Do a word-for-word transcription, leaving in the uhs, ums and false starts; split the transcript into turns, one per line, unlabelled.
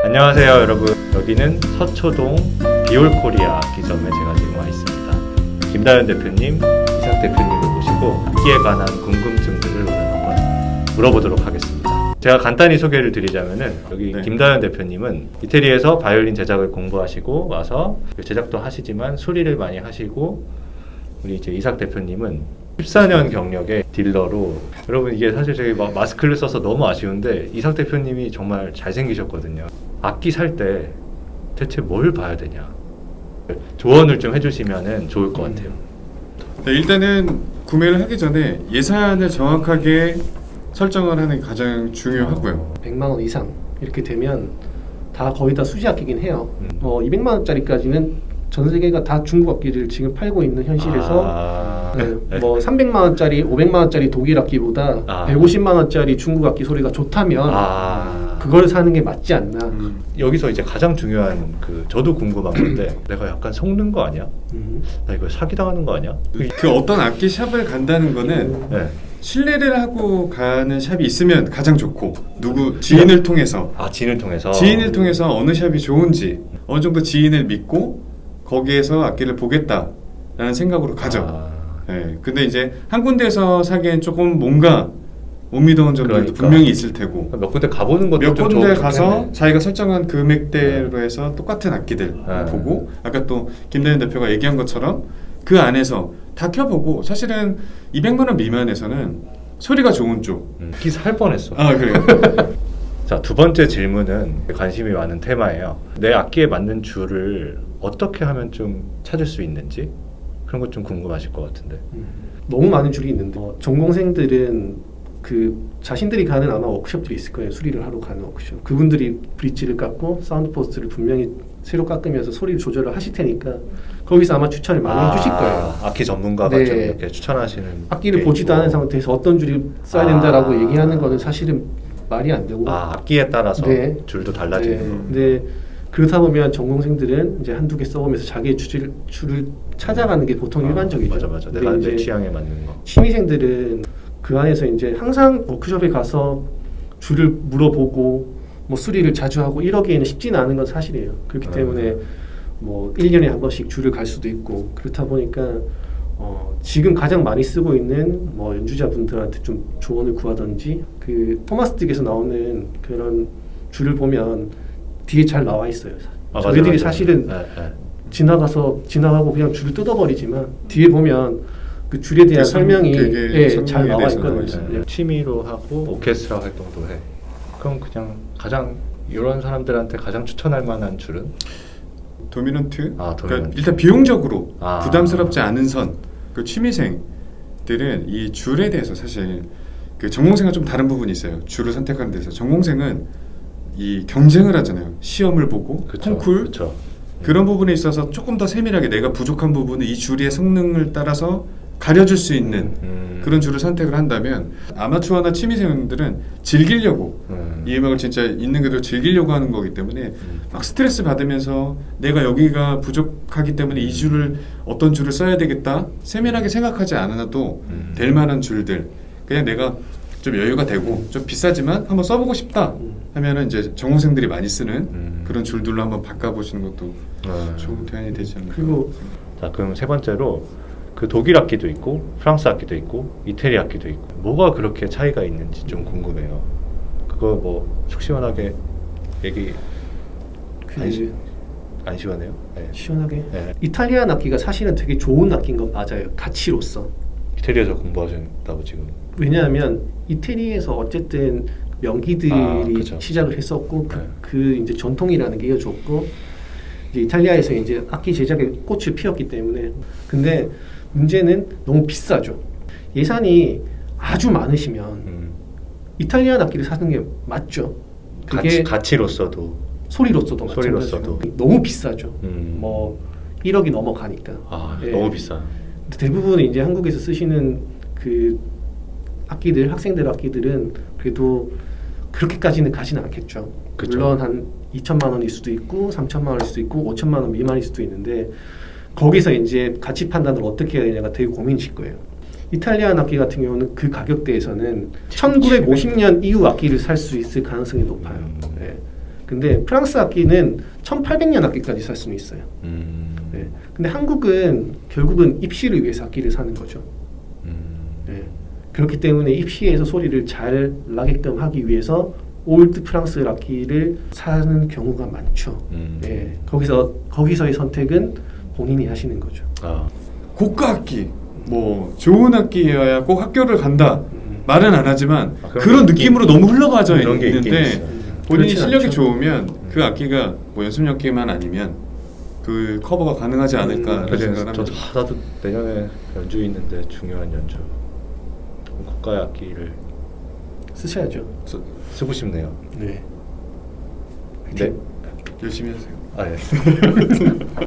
안녕하세요 여러분, 여기는 서초동 비올코리아 악기점에 제가 지금 와 있습니다. 김다현 대표님, 이삭 대표님을 모시고 악기에 관한 궁금증들을 오늘 한번 물어보도록 하겠습니다. 제가 간단히 소개를 드리자면은 여기 네. 김다현 대표님은 이태리에서 바이올린 제작을 공부하시고 와서 제작도 하시지만 수리를 많이 하시고, 우리 이제 이삭 대표님은 십사 년 경력의 딜러로, 여러분 이게 사실 저희 막 마스크를 써서 너무 아쉬운데 이삭 대표님이 정말 잘생기셨거든요. 악기 살 때 대체 뭘 봐야 되냐 조언을 좀 해주시면 좋을 것 같아요.
네, 일단은 구매를 하기 전에 예산을 정확하게 설정을 하는 게 가장 중요하고요.
백만 원 이상 이렇게 되면 다 거의 다 수지 악기긴 해요.
음.
어, 이백만 원짜리까지는 전 세계가 다 중국 악기를 지금 팔고 있는 현실에서
아...
네,
네.
뭐 삼백만 원짜리, 오백만 원짜리 독일 악기보다
아...
백오십만 원짜리 중국 악기 소리가 좋다면
아...
그걸 사는 게 맞지 않나.
음.
여기서 이제 가장 중요한 그 저도 궁금한 건데 내가 약간 속는 거 아니야?
음.
나 이거 사기당하는 거 아니야?
그 어떤 악기 샵을 간다는 거는
네.
신뢰를 하고 가는 샵이 있으면 가장 좋고, 누구 지인을 통해서
아, 지인을 통해서
지인을 통해서 어느 샵이 좋은지 어느 정도 지인을 믿고 거기에서 악기를 보겠다라는 생각으로 가죠.
아...
네, 근데 이제 한 군데에서 사기엔 조금 뭔가 못 믿어온 점들도
그러니까.
분명히 있을 테고,
몇 군데 가보는 것도
몇
좀
군데
좋-
가서
좋겠네.
자기가 설정한 금액대로 해서 똑같은 악기들
네.
보고, 아까 또 김대현 대표가 얘기한 것처럼 그 안에서 다 켜보고, 사실은 이백만 원 미만에서는 소리가 좋은 쪽.
음, 기 살 뻔했어.
아 그래요?
자, 두 번째 질문은 관심이 많은 테마예요. 내 악기에 맞는 줄을 어떻게 하면 좀 찾을 수 있는지, 그런 것 좀 궁금하실 것 같은데.
음. 너무 많은 줄이 있는데 어, 전공생들은 그 자신들이 가는 아마 워크숍들이 있을 거예요. 수리를 하러 가는 워크숍. 그분들이 브릿지를 깎고 사운드 포스트를 분명히 새로 깎으면서 소리를 조절을 하실 테니까 거기서 아마 추천을 많이
아,
해주실 거예요.
악기 전문가가
네.
좀 이렇게 추천하시는
악기를
게
보지도
있고.
않은 상태에서 어떤 줄이 써야
아.
된다라고 얘기하는 거는 사실은 말이 안 되고.
아, 악기에 따라서
네.
줄도 달라지는
네.
거.
근데 그렇다 보면 전공생들은 이제 한두 개 써보면서 자기의 줄을, 줄을 찾아가는 게 보통
아,
일반적이죠.
맞아 맞아.
근데
내가 내
이제
취향에 맞는 거.
취미생들은 그 안에서 이제 항상 워크숍에 가서 줄을 물어보고 뭐 수리를 자주 하고 이러기에는 쉽지는 않은 건 사실이에요. 그렇기
아.
때문에 뭐 일 년에 한 번씩 줄을 갈 수도 있고, 그렇다 보니까 어 지금 가장 많이 쓰고 있는 뭐 연주자분들한테 좀 조언을 구하든지, 그 토마스 딕에서 나오는 그런 줄을 보면 뒤에 잘 나와 있어요.
아, 맞아,
저희들이
맞아.
사실은
네, 네.
지나가서 지나가고 그냥 줄을 뜯어버리지만 뒤에 보면 그 줄에 대한
그 설-
설명이
그게
예,
설명에
잘 나와
대해서
있거든요.
나와
네. 취미로 하고 오케스트라 활동도 해. 그럼 그냥 가장 이런 사람들한테 가장 추천할 만한 줄은?
도미넌트.
아,
그러니까
도미넌트.
일단 비용적으로
아.
부담스럽지 않은 선. 그 취미생들은 이 줄에 대해서 사실 그 전공생과 좀 다른 부분이 있어요. 줄을 선택하는 데서 전공생은 이 경쟁을 하잖아요. 시험을 보고
그쵸,
콩쿨
그쵸.
그런 부분에 있어서 조금 더 세밀하게 내가 부족한 부분을 이 줄의 성능을 따라서 가려줄 수 있는
음.
그런 줄을 선택을 한다면, 아마추어나 취미생들은 즐기려고
음.
이 음악을 진짜 있는 그대로 즐기려고 하는 거기 때문에
음.
막 스트레스 받으면서 내가 여기가 부족하기 때문에 이 줄을 어떤 줄을 써야 되겠다 세밀하게 생각하지 않아도
음.
될 만한 줄들, 그냥 내가 좀 여유가 되고 좀 비싸지만 한번 써보고 싶다 하면은 이제 전공생들이 많이 쓰는
음.
그런 줄들로 한번 바꿔보시는 것도
네.
좋은 대안이 되지 않을까.
그리고
자, 그럼 세 번째로 그 독일 악기도 있고 프랑스 악기도 있고 이태리 악기도 있고 뭐가 그렇게 차이가 있는지 좀 궁금해요. 그거 뭐 속 시원하게 얘기
그
안, 시, 안 시원해요? 네.
시원하게
네.
이탈리안 악기가 사실은 되게 좋은 악기인 건 맞아요. 가치로서.
이태리에서 공부하신다고 지금.
왜냐하면 이태리에서 어쨌든 명기들이
아, 그쵸.
시작을 했었고 그,
네.
그 이제 전통이라는 게 이어졌고, 이제 이탈리아에서 이제 악기 제작에 꽃을 피웠기 때문에. 근데 문제는 너무 비싸죠. 예산이 아주 많으시면
음.
이탈리안 악기를 사는 게 맞죠. 그게
가치, 가치로서도.
소리로서도
소리로서도.
마찬가지고 너무 비싸죠.
음.
뭐 일억이 넘어가니까.
아,
예.
너무 비싸.
대부분 이제 한국에서 쓰시는 그 악기들, 학생들 악기들은 그래도 그렇게까지는 가지는 않겠죠.
그쵸.
물론 한 이천만 원일 수도 있고 삼천만 원일 수도 있고 오천만 원 미만일 수도 있는데, 거기서 이제 가치 판단을 어떻게 해야 되냐가 되게 고민이실 거예요. 이탈리안 악기 같은 경우는 그 가격대에서는 천구백오십 년 이후 악기를 살 수 있을 가능성이 높아요.
음.
네. 근데 프랑스 악기는 천팔백 년 악기까지 살 수는 있어요.
음.
네. 근데 한국은 결국은 입시를 위해서 악기를 사는 거죠.
음.
네. 그렇기 때문에 입시에서 소리를 잘 나게끔 하기 위해서 올드 프랑스 악기를 사는 경우가 많죠.
음.
네. 거기서 거기서의 선택은 본인이 하시는 거죠.
아.
고가 악기, 뭐 좋은 악기여야 꼭 학교를 간다
음.
말은 안 하지만
아, 그런
그런
게 있긴-
느낌으로 너무 흘러가져
그런 게 있긴
있는데
있어요.
본인이
그렇진
실력이
않죠.
좋으면 그 악기가 뭐 연습력기만 아니면 그 커버가 가능하지 않을까라는
그래서
생각을
저도
합니다.
하나도 내년에 연주 있는데 중요한 연주 고가의 악기를
쓰셔야죠.
쓰, 쓰고 싶네요.
네.
네.
열심히 하세요.
아 예.